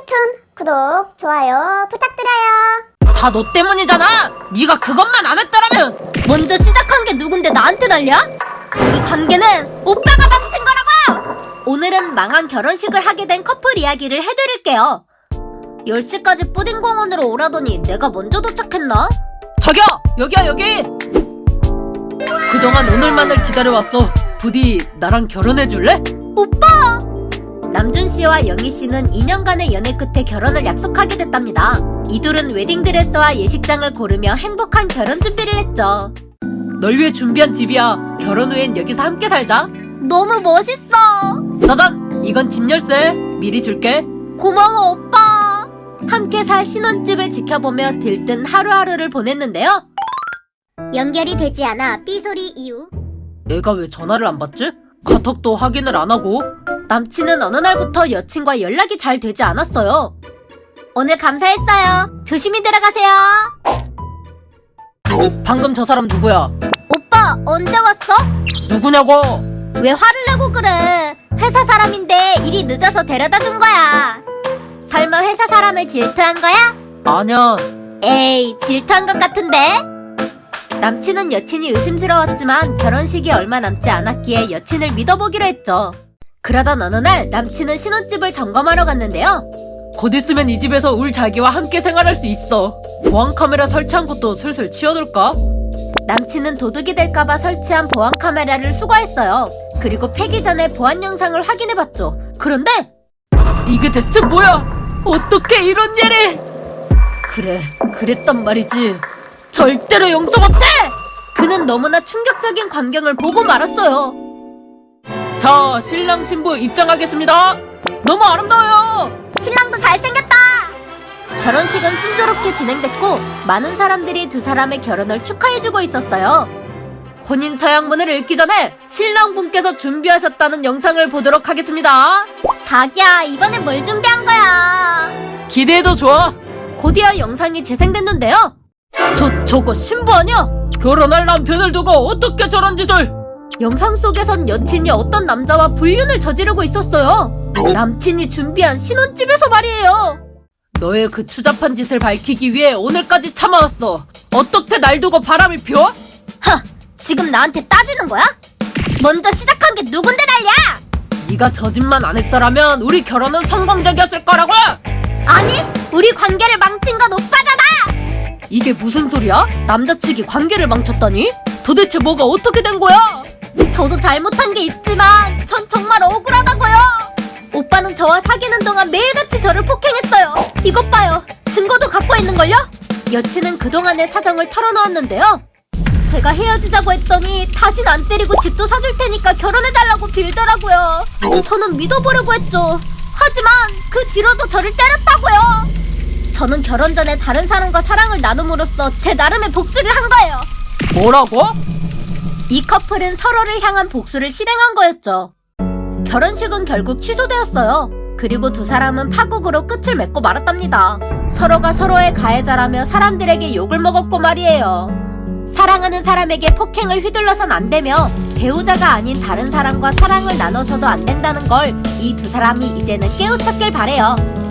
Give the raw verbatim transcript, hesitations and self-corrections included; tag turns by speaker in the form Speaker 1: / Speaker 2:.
Speaker 1: 웹툰 구독, 좋아요 부탁드려요.
Speaker 2: 다 너 때문이잖아! 네가 그것만 안 했더라면!
Speaker 3: 먼저 시작한 게 누군데 나한테 난리야? 우리 관계는 오빠가 망친 거라고요! 오늘은 망한 결혼식을 하게 된 커플 이야기를 해드릴게요. 열 시까지 뿌딩공원으로 오라더니 내가 먼저 도착했나?
Speaker 2: 자기야! 여기야 여기! 그동안 오늘만을 기다려왔어. 부디 나랑 결혼해줄래?
Speaker 3: 오빠! 남준씨와 영희씨는 이 년간의 연애 끝에 결혼을 약속하게 됐답니다. 이둘은 웨딩드레스와 예식장을 고르며 행복한 결혼 준비를 했죠.
Speaker 2: 널 위해 준비한 집이야. 결혼 후엔 여기서 함께 살자.
Speaker 3: 너무 멋있어!
Speaker 2: 짜잔! 이건 집 열쇠. 미리 줄게.
Speaker 3: 고마워 오빠! 함께 살 신혼집을 지켜보며 들뜬 하루하루를 보냈는데요.
Speaker 1: 연결이 되지 않아 삐소리 이후.
Speaker 2: 얘가 왜 전화를 안 받지? 카톡도 확인을 안 하고.
Speaker 3: 남친은 어느 날부터 여친과 연락이 잘 되지 않았어요. 오늘 감사했어요. 조심히 들어가세요.
Speaker 2: 방금 저 사람 누구야?
Speaker 3: 오빠 언제 왔어?
Speaker 2: 누구냐고?
Speaker 3: 왜 화를 내고 그래? 회사 사람인데 일이 늦어서 데려다 준 거야. 설마 회사 사람을 질투한 거야?
Speaker 2: 아냐.
Speaker 3: 에이, 질투한 것 같은데? 남친은 여친이 의심스러웠지만 결혼식이 얼마 남지 않았기에 여친을 믿어보기로 했죠. 그러던 어느 날 남친은 신혼집을 점검하러 갔는데요.
Speaker 2: 곧 있으면 이 집에서 울 자기와 함께 생활할 수 있어. 보안카메라 설치한 것도 슬슬 치워둘까?
Speaker 3: 남친은 도둑이 될까봐 설치한 보안카메라를 수거했어요. 그리고 패기 전에 보안 영상을 확인해봤죠. 그런데
Speaker 2: 이게 대체 뭐야? 어떻게 이런 일이? 그래, 그랬단 말이지. 절대로 용서 못해!
Speaker 3: 그는 너무나 충격적인 광경을 보고 말았어요.
Speaker 2: 자, 신랑 신부 입장하겠습니다. 너무 아름다워요.
Speaker 1: 신랑도 잘생겼다.
Speaker 3: 결혼식은 순조롭게 진행됐고 많은 사람들이 두 사람의 결혼을 축하해주고 있었어요.
Speaker 2: 혼인 서약문을 읽기 전에 신랑분께서 준비하셨다는 영상을 보도록 하겠습니다.
Speaker 3: 자기야, 이번엔 뭘 준비한 거야?
Speaker 2: 기대해도 좋아.
Speaker 3: 곧이어 영상이 재생됐는데요.
Speaker 2: 저, 저거 신부 아니야? 결혼할 남편을 두고 어떻게 저런 짓을?
Speaker 3: 영상 속에선 여친이 어떤 남자와 불륜을 저지르고 있었어요. 남친이 준비한 신혼집에서 말이에요.
Speaker 2: 너의 그 추잡한 짓을 밝히기 위해 오늘까지 참아왔어. 어떻게 날 두고 바람을 피워?
Speaker 3: 하! 지금 나한테 따지는 거야? 먼저 시작한 게 누군데 난리야?
Speaker 2: 네가 저 짓만 안 했더라면 우리 결혼은 성공적이었을 거라고!
Speaker 3: 아니, 우리 관계를 망친 건 오빠잖아!
Speaker 2: 이게 무슨 소리야? 남자 측이 관계를 망쳤다니? 도대체 뭐가 어떻게 된 거야?
Speaker 3: 저도 잘못한 게 있지만 전 정말 억울하다고요. 오빠는 저와 사귀는 동안 매일같이 저를 폭행했어요. 이것 봐요. 증거도 갖고 있는걸요? 여친은 그동안의 사정을 털어놓았는데요. 제가 헤어지자고 했더니 다신 안 때리고 집도 사줄 테니까 결혼해달라고 빌더라고요. 저는 믿어보려고 했죠. 하지만 그 뒤로도 저를 때렸다고요. 저는 결혼 전에 다른 사람과 사랑을 나눔으로써 제 나름의 복수를 한 거예요.
Speaker 2: 뭐라고?
Speaker 3: 이 커플은 서로를 향한 복수를 실행한 거였죠. 결혼식은 결국 취소되었어요. 그리고 두 사람은 파국으로 끝을 맺고 말았답니다. 서로가 서로의 가해자라며 사람들에게 욕을 먹었고 말이에요. 사랑하는 사람에게 폭행을 휘둘러선 안 되며 배우자가 아닌 다른 사람과 사랑을 나눠서도 안 된다는 걸 이 두 사람이 이제는 깨우쳤길 바래요.